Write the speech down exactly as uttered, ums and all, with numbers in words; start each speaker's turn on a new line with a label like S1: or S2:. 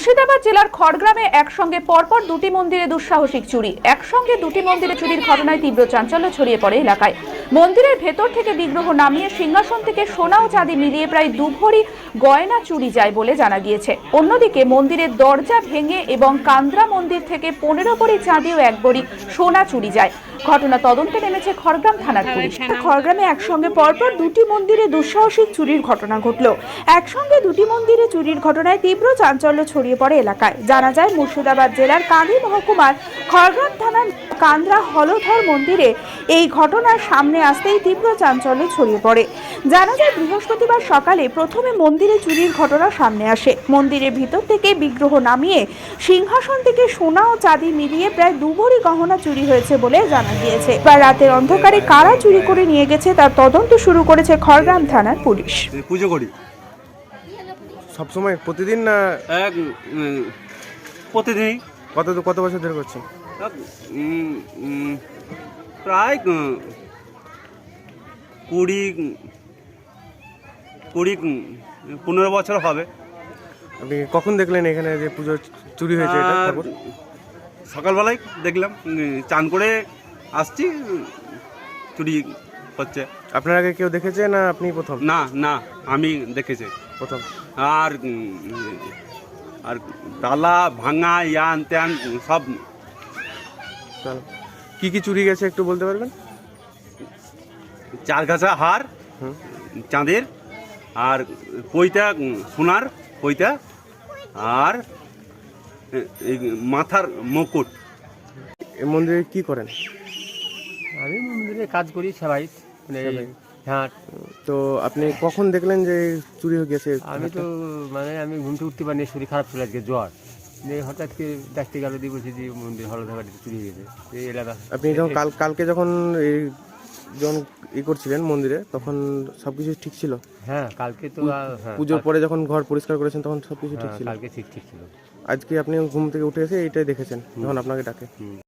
S1: মুর্শিদাবাদ জেলার খড়গ্রামে একসঙ্গে পরপর দুটি মন্দিরে দুঃসাহসিক চুরি। একসঙ্গে দুটি মন্দিরে চুরির ঘটনায় তীব্র চাঞ্চল্য ছড়িয়ে পড়ে এলাকায়। মন্দিরের ভেতর থেকে বিগ্রহ নামিয়ে সিংহাসন থেকে সোনা ও চাঁদি মিলিয়ে প্রায় দু ভরি গয়না চুরি যায় বলে জানা গিয়েছে। অন্যদিকে মন্দিরের দরজা ভেঙে এবং কান্দ্রা মন্দির থেকে পনেরো ভরি চাঁদি ও এক ভরি সোনা চুরি যায়। ঘটনা তদন্তে নেমেছে খড়গ্রাম থানার পুলিশ। খড়গ্রামে একসঙ্গে পরপর দুটি মন্দিরে দুঃসাহসিক চুরির ঘটনা ঘটল। একসঙ্গে দুটি মন্দিরে চুরির ঘটনায় তীব্র চাঞ্চল্য ছড়িয়ে পড়ে এলাকায়। জানা যায় মুর্শিদাবাদ জেলার কাঁদি মহকুমার খড়গ্রাম থানার কান্দ্রা হলধর মন্দিরে এই ঘটনার সামনে আসতেই তীব্র চাঞ্চল্য ছড়িয়ে পড়ে। জানা যায় বৃহস্পতিবার সকালে প্রথমে মন্দিরে চুরির ঘটনা সামনে আসে। মন্দিরের ভিতর থেকে বিগ্রহ নামিয়ে সিংহাসন থেকে সোনা ও চাঁদি মিলিয়ে প্রায় দু ভরি গহনা চুরি হয়েছে বলে জানা গিয়েছে। এবার রাতের অন্ধকারে কারা চুরি করে নিয়ে গেছে তার তদন্ত শুরু করেছে খড়গ্রাম থানার পুলিশ।
S2: পুজো করি
S3: সবসময় প্রতিদিন না
S2: এক উম, প্রতিদিনই
S3: কত কত বছর ধরে করছেন?
S2: এক, উম, উম, প্রায় উম, কুড়ি কুড়ি উম, পনেরো বছর হবে।
S3: আপনি কখন দেখলেন এখানে যে পুজো চুরি হয়েছে এটা
S2: আর
S3: খবর?
S2: সকালবেলায় দেখলাম, উম, চান করে আসছি, উম, চুরি হচ্ছে।
S3: আপনার আগে কেউ দেখেছে না আপনি প্রথম?
S2: না না আমি দেখেছি
S3: প্রথম।
S2: আর উম, আর তালা ভাঙা ইয়ান ত্যান সব।
S3: চলো, কি কি চুরি গেছে একটু বলতে পারবেন?
S2: চার গাছা হার
S3: হুম।
S2: চাঁদের, আর পইতা উম, সোনার পইতা, আর এ- এই মাথার মুকুট।
S3: এই মন্দিরে কি করেন?
S4: আমি মন্দিরে কাজ করি সবাই, মানে
S3: সেবাই।
S4: হ্যাঁ।
S3: তো আপনি কখন দেখলেন যে চুরি হয়ে গেছে?
S4: আমি তো মানে আমি ঘুমতে উঠতে পারিনি, শরীর খারাপ ছিল আজকে, জ্বর। দিয়ে হঠাৎ করে দেখতে গেল, দিয়ে বলছি যে মন্দির হলধাবাড়িতে চুরি হয়ে গেছে এই এলাকা।
S3: আপনি যখন কাল কালকে যখন এই যখন ই করছিলেন মন্দিরে তখন সবকিছু ঠিক ছিল?
S4: হ্যাঁ কালকে তো আহ, হ্যাঁ,
S3: পুজোর
S4: কাল-
S3: পরে যখন ঘর পরিষ্কার করেছেন তখন সবকিছু ঠিক
S4: হ্যাঁ,
S3: ছিল?
S4: কালকে ঠিক ঠিক ছিল।
S3: আজকে আপনি ঘুম থেকে উঠে এসে এইটাই দেখেছেন যখন আপনাকে ডাকে?
S4: হুম।